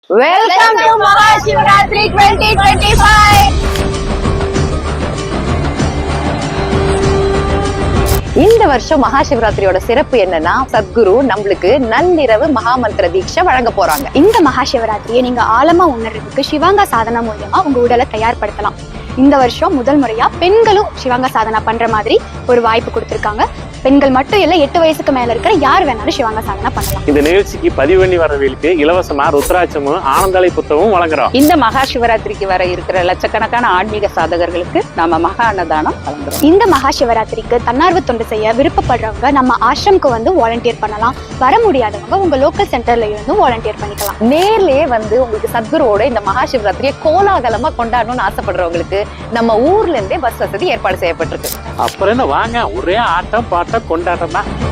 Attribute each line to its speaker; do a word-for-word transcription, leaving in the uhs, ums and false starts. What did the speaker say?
Speaker 1: Welcome to Mahashivratri twenty twenty-five. இந்த வருஷம் மகாசிவராத்திரியோட சிறப்பு என்னன்னா, சத்குரு நம்மளுக்கு நள்ளிரவு மகாமந்திர தீட்சை வழங்க போறாங்க.
Speaker 2: இந்த மகாசிவராத்திரியை நீங்க ஆழமா உணர்றதுக்கு சிவாங்கா சாதனா மூலியமா உங்க உடலை தயார்படுத்தலாம். இந்த வருஷம் முதல் முறையா பெண்களும் சிவாங்கா சாதனா பண்ற மாதிரி ஒரு வாய்ப்பு கொடுத்திருக்காங்க. பெண்கள் மட்டும் இல்ல, எட்டு வயசுக்கு மேல இருக்கிற யார் வேணாலும் சிவாங்கா சாதனா பண்ணலாம்.
Speaker 3: இந்த நிகழ்ச்சிக்கு பதிவு பண்ணி வரவங்களுக்கு இலவசமா ருத்ராட்சமும் ஆனந்தாளை புத்தகமும் வழங்குறோம்.
Speaker 4: இந்த மகா சிவராத்திரிக்கு வர இருக்கிற லட்சக்கணக்கான ஆன்மீக சாதகர்களுக்கு நாம மகா அன்னதானம் வழங்குறோம்.
Speaker 2: இந்த மகா சிவராத்திரிக்கு தன்னார்வ தொண்டு செய்ய விருப்பப்படுறவங்க நம்ம ஆசிரமுக்கு வந்து வாலண்டியர் பண்ணலாம். வர முடியாதவங்க உங்க லோக்கல் சென்டர்ல இருந்து வாலண்டியர் பண்ணிக்கலாம்.
Speaker 1: நேர்லயே வந்து உங்களுக்கு சத்குருவோட இந்த மகாசிவராத்திரியை கோலாகலமா கொண்டாடணும்னு ஆசைப்படுறவங்களுக்கு நம்ம ஊர்ல இருந்தே பஸ் வசதி ஏற்பாடு செய்யப்பட்டிருக்கு.
Speaker 3: அப்புறம் என்ன, வாங்க, ஒரே ஆட்டம் பாட்டம் கொண்டாட்டம் தான்.